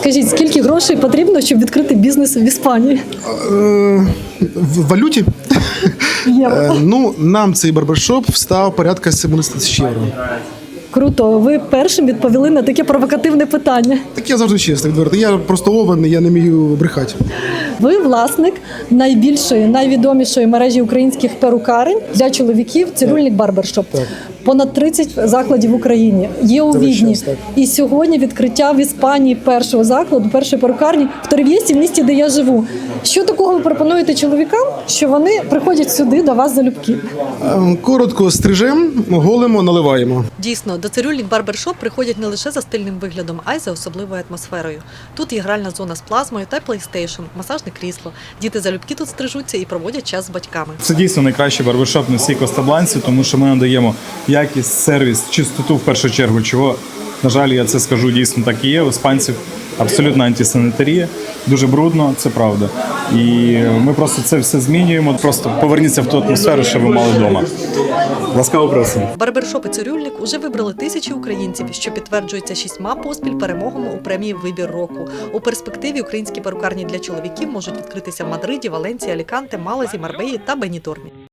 Скажіть, скільки грошей потрібно, щоб відкрити бізнес в Іспанії? В валюті? Євро. Ну, нам цей барбершоп встав порядка 70 тисяч євро. Круто, ви першим відповіли на таке провокативне питання. Так я завжди чесно, відверто. Я просто овен, я не вмію брехати. Ви власник найбільшої, найвідомішої мережі українських перукарень для чоловіків «Цирюльник Барбершоп». Так. Понад 30 закладів в Україні. Є у Це весь Відні. час, так. І сьогодні відкриття в Іспанії першого закладу, першої перукарні в Торрев'єсі, в місті, де я живу. Що такого ви пропонуєте чоловікам, що вони приходять сюди до вас залюбки? Коротко стрижем, голимо, наливаємо. Дійсно, до «Цирюльник Барбершоп» приходять не лише за стильним виглядом, а й за особливою атмосферою. Тут є гральна зона з плазмою та PlayStation, масажне крісло. Діти залюбки тут стрижуться і проводять час з батьками. Це дійсно найкращий барбершоп на всій Коста-Бланці, тому що ми надаємо якість, сервіс, чистоту в першу чергу, чого, на жаль, я це скажу, дійсно так і є. У іспанців абсолютно антисанітарія, дуже брудно, це правда. І ми просто це все змінюємо. Просто поверніться в ту атмосферу, що ви мали вдома. Ласкаво просимо. Барбершоп і «Цирюльник» уже вибрали тисячі українців, що підтверджується 6 поспіль перемогами у премії «Вибір року». У перспективі українські перукарні для чоловіків можуть відкритися в Мадриді, Валенції, Аліканте, Малазі, Марбеї та Бенітормі.